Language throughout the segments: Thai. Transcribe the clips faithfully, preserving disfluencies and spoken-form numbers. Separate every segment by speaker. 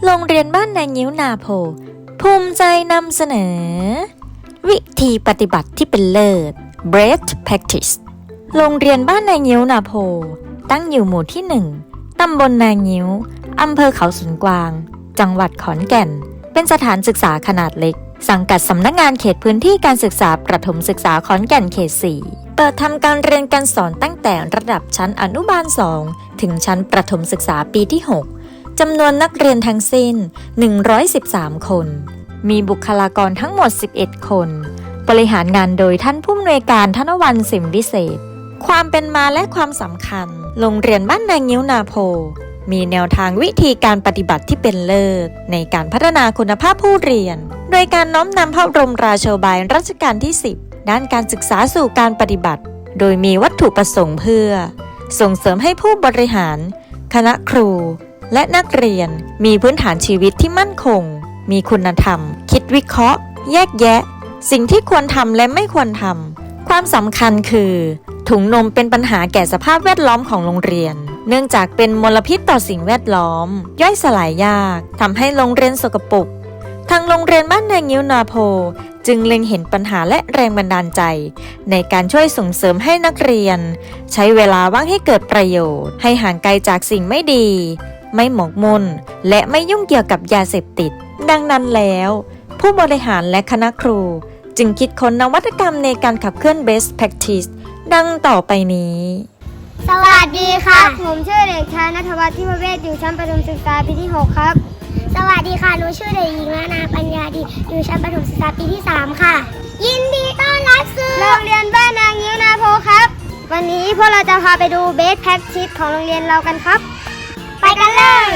Speaker 1: โรงเรียนบ้านนายงิ้วนาโพภูมิใจนำเสนอวิธีปฏิบัติที่เป็นเลิศ Best Practice โรงเรียนบ้านนายงิ้วนาโพตั้งอยู่หมู่ที่หนึ่งตำบลนายงิ้วอำเภอเขาสวนกวางจังหวัดขอนแก่นเป็นสถานศึกษาขนาดเล็กสังกัดสำนักงานเขตพื้นที่การศึกษาประถมศึกษาขอนแก่นเขตสี่เปิดทำการเรียนการสอนตั้งแต่ระดับชั้นอนุบาลสองถึงชั้นประถมศึกษาปีที่หกจำนวนนักเรียนทั้งสิ้นหนึ่งร้อยสิบสามคนมีบุคลากรทั้งหมดสิบเอ็ดคนบริหารงานโดยท่านผู้อำนวยการธนวรรณสิมวิเศษความเป็นมาและความสำคัญโรงเรียนบ้านนายงิ้วนาโพมีแนวทางวิธีการปฏิบัติที่เป็นเลิศในการพัฒนาคุณภาพผู้เรียนโดยการน้อมนำพระบรมราโชบายรัชกาลที่สิบด้านการศึกษาสู่การปฏิบัติโดยมีวัตถุประสงค์เพื่อส่งเสริมให้ผู้บริหารคณะครูและนักเรียนมีพื้นฐานชีวิตที่มั่นคงมีคุณธรรมคิดวิเคราะห์แยกแยะสิ่งที่ควรทำและไม่ควรทำความสำคัญคือถุงนมเป็นปัญหาแก่สภาพแวดล้อมของโรงเรียนเนื่องจากเป็นมลพิษต่อสิ่งแวดล้อมย่อยสลายยากทำให้โรงเรียนสกปรกทางโรงเรียนบ้านนายงิ้วนาโพจึงเล็งเห็นปัญหาและแรงบันดาลใจในการช่วยส่งเสริมให้นักเรียนใช้เวลาว่างให้เกิดประโยชน์ให้ห่างไกลจากสิ่งไม่ดีไม่หมกมุ่นและไม่ยุ่งเกี่ยวกับยาเสพติดดังนั้นแล้วผู้บริหารและคณะครูจึงคิดค้นนวัตกรรมในการขับเคลื่อน Best Practice ดังต่อไปนี้
Speaker 2: สวัสดีค่ะผมชื่อเด็กชายณัฐวัฒน์ ทิพเวชอยู่ชั้นประถมศึกษาปีที่หกครับสวัสดีค่ะหนูชื่อเด็กหญิงนานาปัญญาดีอยู่ชั้นประถมศึกษาปีที่สามค่ะยินดีต้อนรับสู่โรงเรียนบ้านนายงิ้วนาโพครับวันนี้พวกเราจะพาไปดู Best Practice ของโรงเรียนเรากันครับไปกันเลย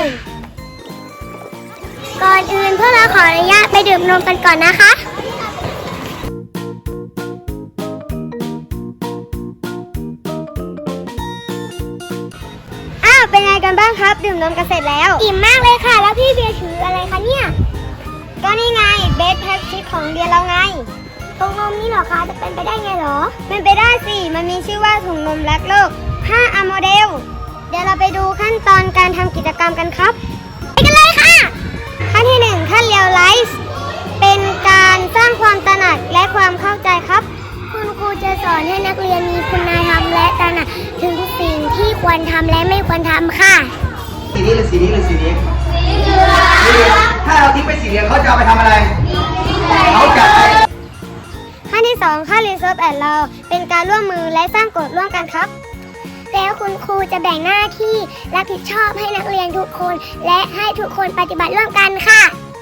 Speaker 2: ก่อนอื่นพวกเราขออนุญาตไปดื่มนมกันก่อนนะคะเป็นไงกันบ้างครับดื่มนมกันเสร็จแล้วอิ่มมากเลยค่ะแล้วพี่เบียร์ถืออะไรคะเนี่ยก็นี่ไงเบสแพ็กชิปของเรียนเราไงถุงนมนี่เหรอคะจะเป็นไปได้ไงเหรอเป็นไปได้สิมันมีชื่อว่าถุงนมรักโลก ห้า อาร์ โมเดลเดี๋ยวเราไปดูขั้นตอนการทำกิจกรรมกันครับไปกันเลยค่ะขั้นที่หนึ่งขั้นเรียลไลฟ์เป็นการสร้างความตระหนักและความเข้าใจครับคุณครูจะสอนให้นักเรียนมีคุณธรรมและตระหนักถึงสิ่งที่ควรทำและไม่ควรทำค่ะ
Speaker 3: สีนี้หรือสีนี้หรือสีนี้สีเหลืองถ้าเราทิ้งไปสีเหลืองเขาจะเอาไปทำอะไรเขาจะไป
Speaker 2: ขั้นที่สองขั้นรีเซิร์ฟแอนด์เราเป็นการร่วมมือและสร้างกฎร่วมกันครับแล้วคุณครูจะแบ่งหน้าที่รับผิดชอบให้นักเรียนทุกคนและให้ทุกคนปฏิบัติร่วมกันค่ะ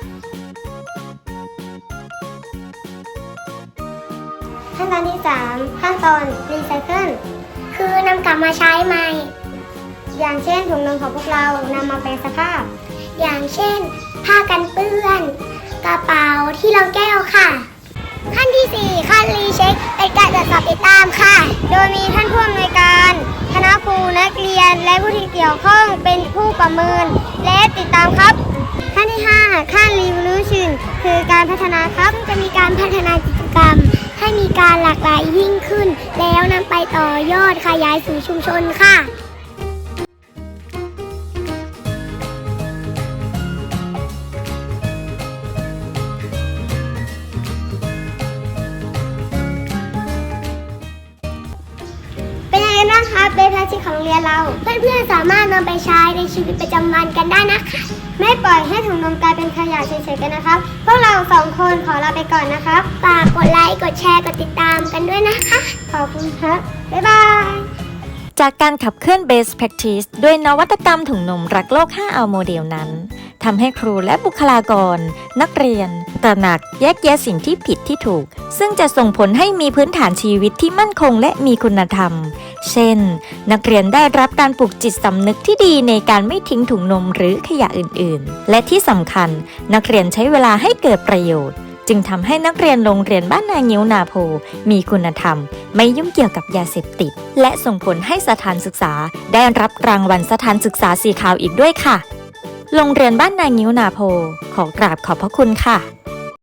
Speaker 2: ขั้นตอนที่สามขั้นตอนรีไซเคิลคือนำกลับมาใช้ใหม่อย่างเช่นถุงนมของพวกเรานำมาแปลสภาพอย่างเช่นผ้ากันเปื้อนกระเป๋าที่รองแก้วค่ะขั้นที่สี่ขั้นรีเช็คเป็นการตรวจสอบติดตามค่ะโดยมีท่านผู้อำนวยการคณะครูนักเรียนและผู้ที่เกี่ยวข้องเป็นผู้ประเมินและติดตามครับขั้นที่ห้าขั้นรีวิวชั่นคือการพัฒนาครับจะมีการพัฒนากิจกรรมให้มีการหลากหลายยิ่งขึ้นแล้วนำไปต่อยอดขยายสู่ชุมชนค่ะเป็นยังไงบ้างคะเบสแพ็กชิปของโรงเรียนเราเพื่อนๆสามารถนำไปใช้ในชีวิตประจำวันกันได้นะคะไม่ปล่อยให้ถุงนมกลายเป็นขยะเฉยๆกันนะครับพวกเราสองคนขอลาไปก่อนนะครับฝากกดไลค์กดแชร์กดติดตามกันด้วยนะคะขอบคุณครับบ๊ายบาย
Speaker 1: จากการขับเคลื่อน Best Practice ด้วยนวัตกรรมถุงนมรักโลก ห้า อาร์ โมเดลนั้นทำให้ครูและบุคลากรนักเรียนตระหนักแยกแยะสิ่งที่ผิดที่ถูกซึ่งจะส่งผลให้มีพื้นฐานชีวิตที่มั่นคงและมีคุณธรรมเช่นนักเรียนได้รับการปลูกจิตสำนึกที่ดีในการไม่ทิ้งถุงนมหรือขยะอื่นๆและที่สำคัญนักเรียนใช้เวลาให้เกิดประโยชน์จึงทำให้นักเรียนโรงเรียนบ้านนายงิ้วนาโพมีคุณธรรมไม่ยุ่งเกี่ยวกับยาเสพติดและส่งผลให้สถานศึกษาได้รับรางวัลสถานศึกษาสีขาวอีกด้วยค่ะโรงเรียนบ้านนายงิ้วนาโพขอกราบขอบพระคุณค่ะ